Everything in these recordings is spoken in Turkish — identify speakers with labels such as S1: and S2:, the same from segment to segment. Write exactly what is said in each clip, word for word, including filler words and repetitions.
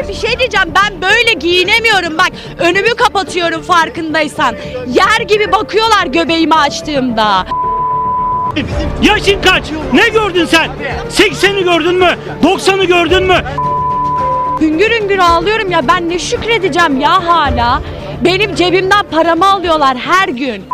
S1: Abi bir şey diyeceğim, ben böyle giyinemiyorum bak, önümü kapatıyorum farkındaysan. Yer gibi bakıyorlar göbeğimi açtığımda.
S2: Yaşın kaç? Ne gördün sen? sekseni gördün mü? doksanı gördün mü?
S1: Hüngür hüngür ağlıyorum ya, ben ne şükredeceğim ya hala. Benim cebimden paramı alıyorlar her gün.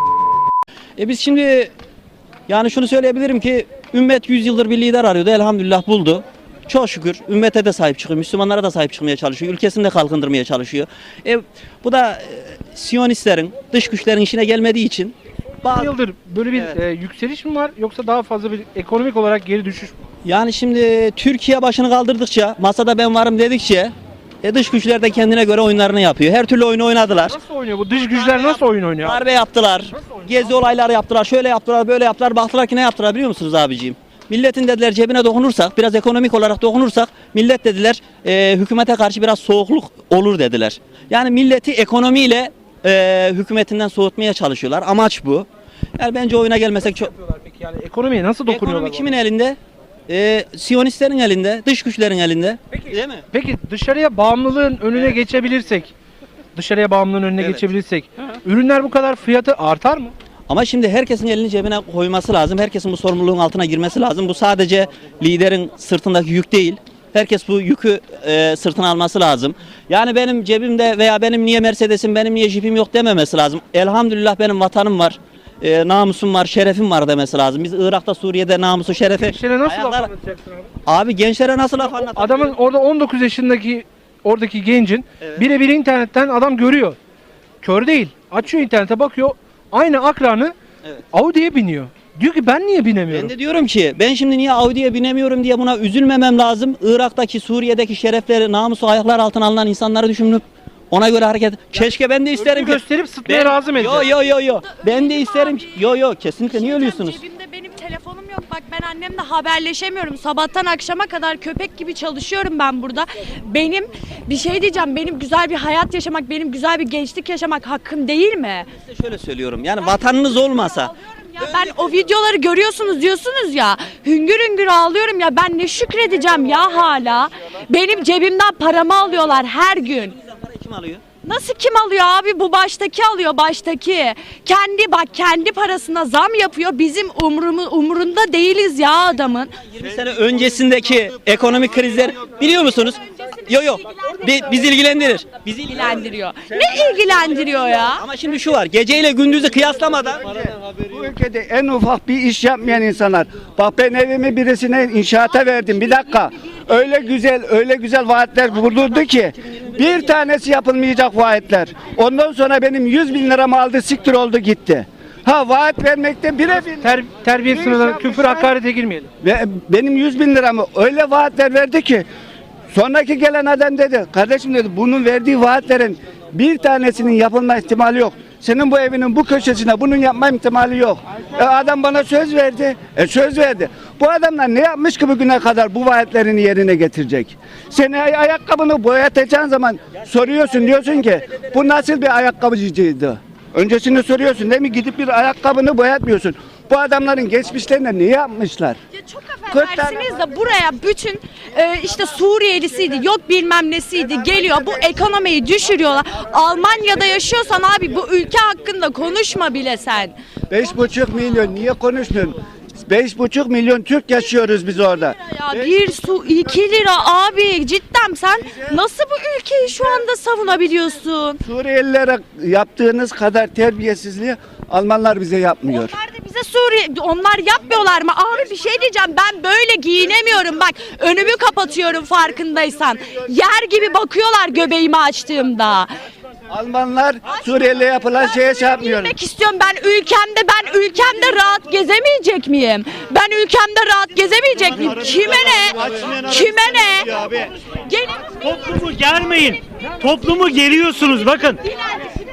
S3: E biz şimdi yani şunu söyleyebilirim ki ümmet yüz yıldır bir lider arıyordu, elhamdülillah buldu. Çok şükür ümmete de sahip çıkıyor, Müslümanlara da sahip çıkmaya çalışıyor, ülkesini de kalkındırmaya çalışıyor. E, bu da e, Siyonistlerin, dış güçlerin işine gelmediği için.
S4: Bir yıldır böyle bir
S3: Evet.
S4: e, yükseliş mi var yoksa daha fazla bir ekonomik olarak geri düşüş mü?
S3: Yani şimdi Türkiye başını kaldırdıkça, masada ben varım dedikçe e, dış güçler de kendine göre oyunlarını yapıyor. Her türlü oyunu oynadılar.
S4: Nasıl oynuyor bu dış güçler, nasıl oyun oynuyor?
S3: Darbe yaptılar, gezi olayları yaptılar, şöyle yaptılar, böyle yaptılar. Baktılar ki ne yaptılar biliyor musunuz abiciğim? Milletin dediler cebine dokunursak, biraz ekonomik olarak dokunursak, millet dediler e, hükümete karşı biraz soğukluk olur dediler. Yani milleti ekonomiyle e, hükümetinden soğutmaya çalışıyorlar. Amaç bu. Yani bence oyuna gelmesek çok...
S4: Yapıyorlar peki, yani ekonomiye nasıl dokunuyorlar?
S3: Ekonomi
S4: bu
S3: kimin
S4: arada?
S3: elinde? E, Siyonistlerin elinde, dış güçlerin elinde.
S4: Peki,
S3: Değil mi?
S4: peki dışarıya bağımlılığın önüne geçebilirsek, dışarıya bağımlılığın önüne
S3: Evet.
S4: geçebilirsek, ürünler bu kadar fiyatı artar mı?
S3: Ama şimdi herkesin elini cebine koyması lazım. Herkesin bu sorumluluğun altına girmesi lazım. Bu sadece liderin sırtındaki yük değil. Herkes bu yükü e, sırtına alması lazım. Yani benim cebimde veya benim niye Mercedes'im, benim niye Jeep'im yok dememesi lazım. Elhamdülillah benim vatanım var. E, namusum var, şerefim var demesi lazım. Biz Irak'ta, Suriye'de namusu, şerefi...
S4: Gençlere nasıl laf
S3: ayaklar-
S4: anlatacaksın abi?
S3: Abi gençlere nasıl laf anlatabilirim?
S4: Adamın orada on dokuz yaşındaki oradaki gencin
S3: Evet.
S4: birebir internetten adam görüyor. Kör değil. Açıyor internete bakıyor. Aynı akranı
S3: Evet.
S4: Audi'ye biniyor. Diyor ki ben niye binemiyorum?
S3: Ben de diyorum ki ben şimdi niye Audi'ye binemiyorum diye buna üzülmemem lazım. Irak'taki, Suriye'deki şerefleri, namusu ayaklar altına alınan insanları düşünüp ona göre hareket. Keşke ben de isterim
S4: Önünü
S3: ki.
S4: gösterip sıtmaya razı mı
S3: Yo
S4: edeceğiz?
S3: yo yo yo. Ben de isterim ki. Yo yo kesinlikle niye ölüyorsunuz?
S1: Cebimde benim telefonum yok. Bak ben annemle haberleşemiyorum. Sabahtan akşama kadar köpek gibi çalışıyorum ben burada. Benim bir şey diyeceğim. Benim güzel bir hayat yaşamak, benim güzel bir gençlik yaşamak hakkım değil mi?
S3: Size şöyle söylüyorum. Yani vatanınız olmasa.
S1: Ağlıyorum ya. Ben o videoları görüyorsunuz diyorsunuz ya. Hüngür hüngür ağlıyorum ya. Ben ne şükredeceğim ya hala. Benim cebimden paramı alıyorlar her gün.
S3: Parayı kim alıyor?
S1: Nasıl kim alıyor abi? Bu baştaki alıyor, baştaki. Kendi bak kendi parasına zam yapıyor. Bizim umrumu, umurunda değiliz ya adamın.
S3: yirmi sene öncesindeki ekonomik krizler biliyor musunuz? Yo yo. Bi- Biz ilgilendirir. Bizi ilgilendiriyor.
S1: Ne ilgilendiriyor ya?
S3: Ama şimdi şu var. Geceyle gündüzü kıyaslamadan
S5: Bu ülkede en ufak bir iş yapmayan insanlar. Bak ben evimi birisine inşaata verdim. Bir dakika. Öyle güzel, öyle güzel vaatler bulurdu ki bir tanesi yapılmayacak vaatler. Ondan sonra benim yüz bin liramı aldı, siktir oldu gitti. Ha vaat vermekte birebir.
S4: Ter, terbiye
S5: Bir
S4: sınırları,
S5: iş
S4: küfür,
S5: yapmışlar.
S4: hakarete girmeyelim.
S5: Ve benim yüz bin liramı öyle vaatler verdi ki sonraki gelen adam dedi, kardeşim dedi, bunun verdiği vaatlerin bir tanesinin yapılma ihtimali yok. Senin bu evinin bu köşesine bunun yapma ihtimali yok. E, adam bana söz verdi. E, söz verdi. Bu adamlar ne yapmış ki bugüne kadar bu vaatlerini yerine getirecek? Sen ay- ayakkabını boyatacağın zaman soruyorsun, diyorsun ki bu nasıl bir ayakkabıcıydı? Öncesini soruyorsun değil mi? Gidip bir ayakkabını boyatmıyorsun. Bu adamların geçmişlerinde ne yapmışlar?
S1: Ya çok affedersiniz de buraya bütün e, işte Suriyelisiydi, yok bilmem nesiydi geliyor. Bu ekonomiyi düşürüyorlar. Almanya'da yaşıyorsan abi bu ülke hakkında konuşma bile sen.
S5: Beş buçuk milyon niye konuşmuyorsun? Beş buçuk milyon Türk yaşıyoruz biz orada.
S1: Ya bir su iki lira abi, cidden sen nasıl bu ülkeyi şu anda savunabiliyorsun?
S5: Suriyelilere yaptığınız kadar terbiyesizliği Almanlar bize yapmıyor.
S1: Onlar da bize Suriye, onlar yapmıyorlar mı? Abi bir şey diyeceğim, ben böyle giyinemiyorum bak, önümü kapatıyorum farkındaysan. Yer gibi bakıyorlar göbeğimi açtığımda.
S5: Almanlar Suriyeli'ye yapılan şeye şey yapmıyor.
S1: Bilmek istiyorum, ben ülkemde ben ülkemde rahat gezemeyecek miyim? Ben ülkemde rahat gezemeyecek miyim? Kime ne? Kime ne? Gelin
S2: Toplumu germeyin. Toplumu geriyorsunuz bakın.
S1: dilencisi benim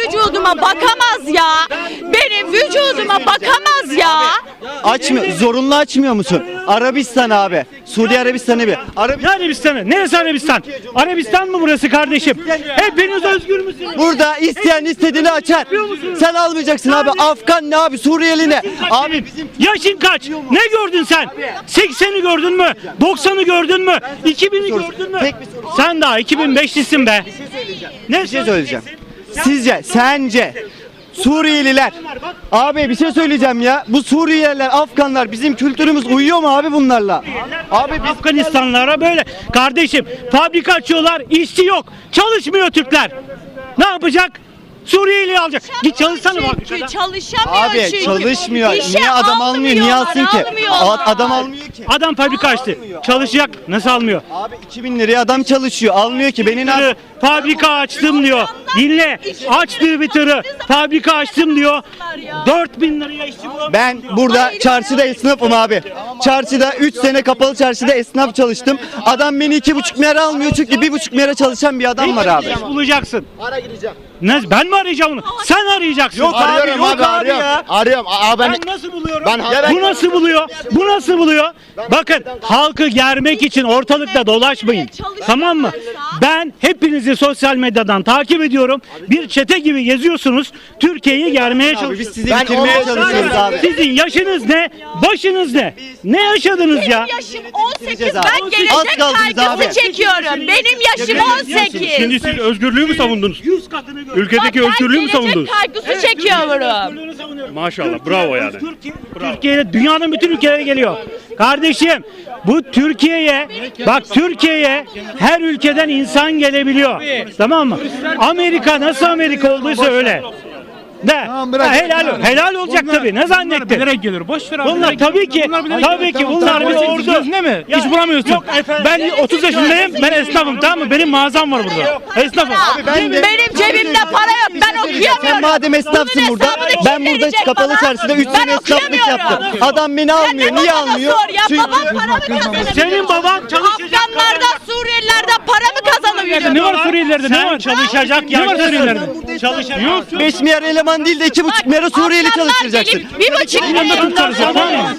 S1: vücuduma bakamaz ya. Benim vücuduma bakamaz ya.
S6: Açmıyor. Zorunlu açmıyor musun? Arabistan abi. Suudi Arabistan'ı bir. Arabi
S2: Ne Arabistan'ı? Neresi Arabistan? Arabistan mı burası kardeşim? Hepiniz özgür müsünüz?
S6: Burada isteyen istediğini açar. Sen almayacaksın abi. Afgan ne abi? Suriyeli ne? Abi bizim
S2: Yaşın kaç? Ne gördün sen? sekseni gördün mü? doksanı gördün mü? iki bini gördün mü?
S6: Tek bir soru.
S2: Sen daha iki bin beşlisin be. Ne
S6: bir şey söyleyeceğim. Sizce, sence Suriyeliler abi bir şey söyleyeceğim ya. Bu Suriyeliler, Afganlar bizim kültürümüz uyuyor mu abi bunlarla?
S2: Abi biz Afganistanlara böyle kardeşim fabrika açıyorlar, işçi yok. Çalışmıyor Türkler. Ne yapacak? Suriyeli alacak. Git çalışsana bak.
S1: Çünkü çalışamıyor
S6: Abi
S1: çünkü.
S6: çalışmıyor.
S1: İşe
S6: Niye adam almıyor? Niye alsın ki?
S1: almıyorlar.
S6: A- Adam almıyor ki.
S2: Adam fabrika açtı. Çalışacak. Nasıl almıyor?
S6: Abi iki bin liraya adam çalışıyor. Almıyor ki. Benim
S2: Tırı, fabrika açtım diyor. Dinle. Açtığı bir tırı. Fabrika açtım diyor. dört bin liraya işçi bulamıyor.
S6: Ben burada çarşıda esnafım abi. Çarşıda üç sene kapalı çarşıda esnaf çalıştım. Adam beni iki buçuk milyara almıyor çünkü bir buçuk milyara çalışan bir adam var abi.
S2: İş bulacaksın. Ara gireceğim. Ne, ben mi arayacağım onu? Sen arayacaksın.
S6: Yok abi,
S7: Arıyorum
S6: yok
S7: abi,
S6: abi
S7: arıyorum.
S6: ya.
S7: Arıyorum. Aa, ben,
S2: Ben nasıl buluyorum?
S7: Ben- Ya ben-
S2: Bu nasıl buluyor? Bu nasıl buluyor? Bakın halkı germek için ortalıkta dolaşmayın. Tamam mı? Ben hepinizi sosyal medyadan takip ediyorum. Bir çete gibi geziyorsunuz. Türkiye'yi germeye
S6: Abi biz
S2: çalışıyorsunuz.
S6: sizi
S7: Ben
S6: bitirmeye
S7: on-
S6: çalışıyoruz abi.
S2: Sizin yaşınız ne? Başınız ne? Ne yaşadınız ya?
S1: Benim yaşım on sekiz.
S6: Bitireceğiz abi.
S1: Ben
S6: Az
S1: gelecek
S6: kaldınız
S1: kaygısı
S6: abi.
S1: çekiyorum. Benim yaşım on sekiz.
S8: Şimdi siz özgürlüğü mü savundunuz?
S2: Yüz katını gör.
S8: Ülkedeki özgürlüğü mü savundunuz?
S1: Gelecek kaygısı çekiyorum.
S2: Özgürlüğünü savunuyorum.
S8: Maşallah, bravo yani.
S2: Türkiye, Türkiye, dünyanın bütün ülkelere geliyor. Kardeşim, bu Türkiye'ye, bak Türkiye'ye her ülkeden insan gelebiliyor. Tamam mı? Amerika nasıl Amerika olduysa öyle. De. Ha, helal, helal olacak tabii. Ne zannettin?
S4: Bilerek gelir. Boş ver abi.
S2: Bunlar tabii ki, tabii ki bunlar bir ordu.
S4: Ne mi?
S2: Ya,
S4: İş bulamıyorsun.
S2: yok efendim.
S4: Ben otuz yaşındayım. Ben esnafım, tamam mı? Benim mağazam var burada. Esnafım.
S6: ben de-
S1: Benim cebimde para yok. Ben okuyamıyorum.
S6: Sen madem esnafsın
S1: Bunun
S6: burada,
S1: hesabını kim
S6: ben burada
S1: verecek
S6: kapalı
S1: bana?
S6: çarşıda üç
S1: Ben
S6: sene esnaflık
S1: okuyamıyorum.
S6: yaptım. Adam beni almıyor.
S1: Sen de
S6: Niye
S1: babana
S6: almıyor?
S1: sor ya.
S6: Çünkü
S1: Babam para mı kazanabiliyor?
S2: Senin baban çalışacak.
S1: Afganlardan, Suriyelilerden para mı kazanabiliyor?
S4: Ne var Suriyelilerde? Ne
S2: Sen
S4: var?
S2: çalışacak
S4: Ne var
S2: yaşlısın.
S4: Suriyelilerde?
S2: Çalışacak.
S6: beş milyar eleman değil de iki buçuk milyara Suriyeli
S1: Afganlar
S6: çalıştıracaksın.
S1: gelip bir buçuk
S4: Yanında Türk çalışıyor, tamam mı?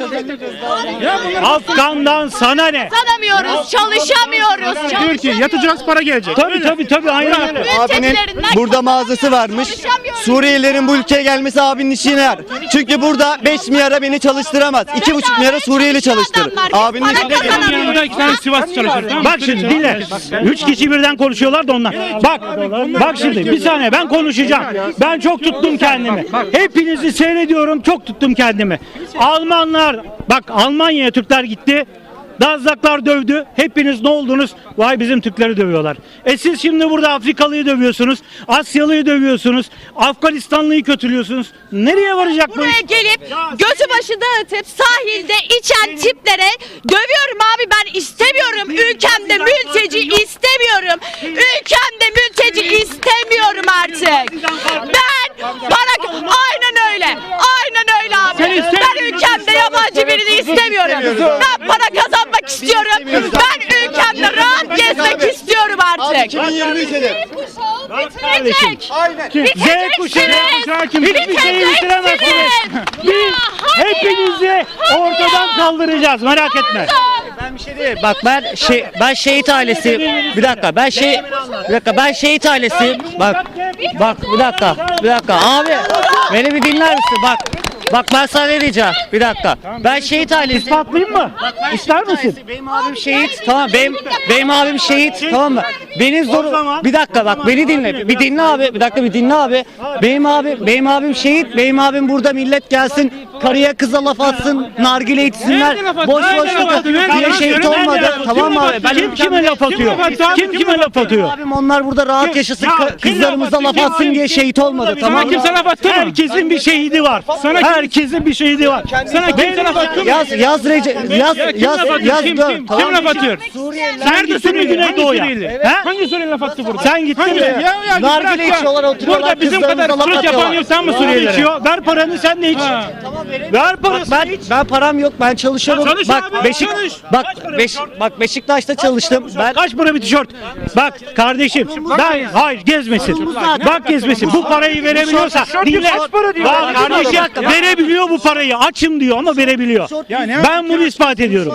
S2: Afgan'dan sana ne?
S1: kazanamıyoruz, çalışamıyoruz.
S4: Türkiye yatacağız, para gelecek.
S2: Tabii tabii tabii aynen öyle.
S6: Abinin
S1: Mültecilerinden
S6: burada mağazası varmış.
S1: çalışamıyoruz.
S6: Suriyelilerin bu ülkeye gelmesi abinin işine yarar. Çünkü burada beş milyara beni çalıştıramaz. iki buçuk milyara Suriyeli çalıştırır. Abinin
S1: Para
S6: işine
S1: kazanamıyoruz.
S4: Yanında iki tane Sivas çalışıyor, tamam mı?
S2: Bak şimdi dinle. Üç kişi birden konuşuyorlar da ondan. Bak, bak şimdi bir saniye ben konuşacağım. Ben çok tuttum kendimi. Hepinizi seyrediyorum, çok tuttum kendimi. Almanlar, bak Almanya'ya Türkler gitti. Dazlaklar dövdü. Hepiniz ne oldunuz? Vay bizim Türkleri dövüyorlar. E siz şimdi burada Afrikalıyı dövüyorsunuz. Asyalıyı dövüyorsunuz. Afganistanlıyı kötülüyorsunuz. Nereye varacak bu
S1: Buraya
S2: iş?
S1: gelip gözü başı dağıtıp sahilde içen tiplere dövüyorum abi, ben istemiyorum. Ülkemde mülteci istemiyorum. Ülkemde mülteci istemiyorum artık. Ben para... Aynen öyle. Aynen öyle abi. Ben ülkemde yabancı birini istemiyorum. Ben para kazanmak istiyorum. Ben ülkemde rahat gezmek istiyorum artık.
S6: iki bin yirmi üç'e
S1: Bitirecek.
S2: Z kuşağı hiçbir şeyi bitiremezsiniz. Biz hepinizi ortadan kaldıracağız, merak etme.
S9: Ben bir şey değil. Bak ben şey ben şehit ailesi. Bir dakika. Ben şey bir dakika. Ben şehit ailesiyim. Bak. Bak bir dakika. Bir dakika. Abi beni bir dinler misin? Bak. Bak ben sana ne diyeceğim. Bir dakika. Ben şehit ailesiyim.
S2: İspatlayayım mı? İster misin?
S9: Benim abim şehit. Tamam benim benim abim şehit. Tamam mı? Benim
S2: O
S9: zoru
S2: zaman-
S9: bir dakika bak beni dinle. Bir dinle abi. Bir dakika bir dinle abi. Benim abim benim abim şehit. Benim abim burada millet gelsin. Karıya kıza laf atsın. Nargile içsinler.
S4: Nerede laf atıyor?
S9: Boş boş
S4: Nerede laf atıyor?
S9: diye
S4: Nerede
S9: şehit
S4: laf atıyor?
S9: olmadı.
S2: Nerede laf atıyor?
S9: Tamam mı abi? Ben
S2: Kim kime laf atıyor?
S4: laf atıyor?
S2: Kim kime laf atıyor?
S9: Abim onlar burada rahat yaşasın.
S2: Ya,
S9: Ka-
S2: kim
S9: Kızlarımıza
S2: laf
S9: laf
S2: atıyor?
S9: atsın
S2: Kim-
S9: diye şehit olmadı.
S2: Sana
S9: Tamam mı?
S4: kimse laf attı mı?
S2: Herkesin bir şehidi var. Herkesin bir şehidi var.
S4: Sana kimse laf attı mı?
S9: Yaz yaz Rece yaz
S4: Ya kim
S9: yaz
S4: laf atıyor?
S9: yaz
S4: Kim
S9: dön.
S4: kim?
S9: Tamam
S4: Kim
S9: mı?
S4: laf atıyor?
S2: Hangi Güneydoğu'ya?
S4: Suriyeli?
S2: He?
S4: Hangi Suriyeli laf attı burada?
S2: Sen gittin mi?
S4: Ya, ya,
S9: Nargile
S4: bırak ya.
S9: içiyorlar, oturuyorlar,
S4: Burada bizim
S9: kızlarımıza
S4: kadar
S9: laf
S4: flört
S9: atıyorlar.
S4: yapan yok, sen mi
S2: Suriyeli
S4: Suriyelilere?
S2: içiyor. Ver paranı sen de iç. Ver parasını
S9: Ben
S2: iç.
S9: ben param yok. Ben çalışıyorum.
S2: Çalış
S9: bak
S2: abi,
S9: Beşik
S2: çalış.
S9: bak
S2: Kaç para
S9: Beş,
S2: tişört?
S9: bak Beşiktaş'ta çalıştım. Ben
S2: Kaç para bir tişört? Bak kardeşim ben hayır gezmesin. Bak gezmesin. Bu parayı verebiliyorsa dinle.
S4: kaç para diyor?
S2: Bak kardeşim verebiliyor bu parayı. Açım diyor ama verebiliyor. Ben bunu ispat ediyorum.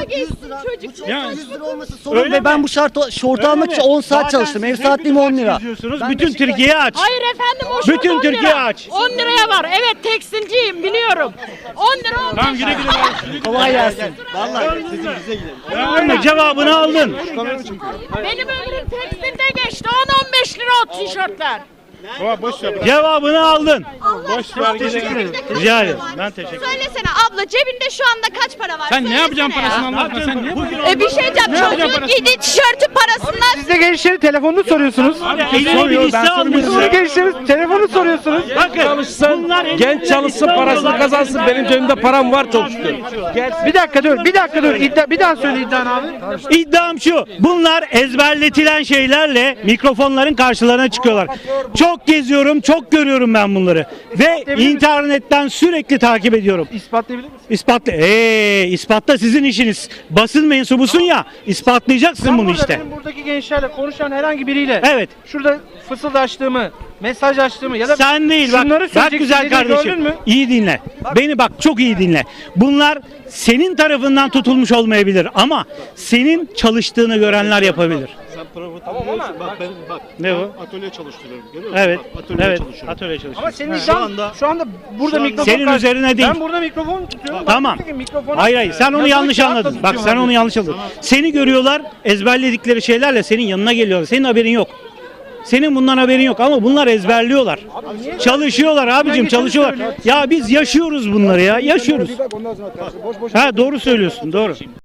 S9: sorun ve ben bu şart şortu almak için on saat çalıştım. Ev saatliğim on lira.
S2: Geziyorsunuz. Bütün Türkiye aç.
S1: Hayır efendim o
S2: Bütün
S1: şort on
S2: Türkiye
S1: lira.
S2: aç.
S1: on liraya var. Evet tekstilciyim biliyorum. on lira olmuş.
S2: Tamam güle güle.
S9: Kolay gelsin.
S2: Verme, cevabını aldın.
S1: Benim ömrüm tekstilde geçti. on on beş lira o tişörtler.
S2: Cevabını aldın.
S1: Boş ver gidelim.
S2: Rica ederim. Ben teşekkür ederim.
S1: Söylesene abla cebinde şu anda kaç para var?
S4: Sen ne yapacaksın
S1: Söylesene
S4: parasını
S1: ya.
S4: Allah aşkına sen ne?
S1: E bir şey diyeceğim. Çocuğun giydiği tişörtün parasından
S4: Siz de gençlerin telefonunu soruyorsunuz.
S2: Eline bir liste
S4: Siz de
S2: almışsın.
S4: gençlerin telefonu soruyorsunuz.
S2: Bakın bunlar
S7: Genç çalışsın, parasını kazansın. Benim cebimde param var çok şükür.
S4: Bir dakika dur, bir dakika dur. İddia, bir daha söyle iddianı abi.
S2: İddiam şu. Bunlar ezberletilen şeylerle mikrofonların karşılarına çıkıyorlar. Çok geziyorum, çok görüyorum ben bunları. Ve internetten sürekli takip ediyorum.
S4: İspatlayabilir misin?
S2: İspatla. Eee ispatla sizin işiniz. Basın mensubusun ya. ispatlayacaksın
S4: Ben
S2: bunu
S4: burada
S2: işte.
S4: Benim buradaki gençlerle konuşan herhangi biriyle
S2: Evet.
S4: şurada fısıldaştığımı, mesaj açtığımı ya da
S2: Sen değil bak.
S4: şunları
S2: Bak
S4: söyleyecek
S2: güzel
S4: dediğini gördün
S2: kardeşim.
S4: mü?
S2: İyi dinle. Beni bak çok iyi dinle. Bunlar senin tarafından tutulmuş olmayabilir ama senin çalıştığını görenler yapabilir. Ne o?
S8: Atölye çalıştırıyorum. Görüyor musun?
S2: Evet.
S8: Bak, atölye
S2: Evet.
S8: çalışıyorum.
S2: Atölye çalışıyor.
S4: Ama senin
S2: Ha.
S4: iddian şu anda, burada
S8: anda-
S4: mikrofon
S2: Senin
S4: karşı-
S2: üzerine değil.
S4: Ben burada mikrofon tutuyorum.
S2: Tamam.
S4: Bak, mikrofonu-
S2: Hayır hayır sen onu
S4: Yazılı
S2: yanlış
S4: kağıtla
S2: anladın. Bak
S4: tutuyorum
S2: sen
S4: abi.
S2: onu yanlış anladın. Seni görüyorlar ezberledikleri şeylerle senin yanına geliyorlar. Senin haberin yok. Senin bundan haberin yok ama bunlar ezberliyorlar. Çalışıyorlar abicim çalışıyorlar. Ya biz yaşıyoruz bunları ya yaşıyoruz. Ha doğru söylüyorsun doğru.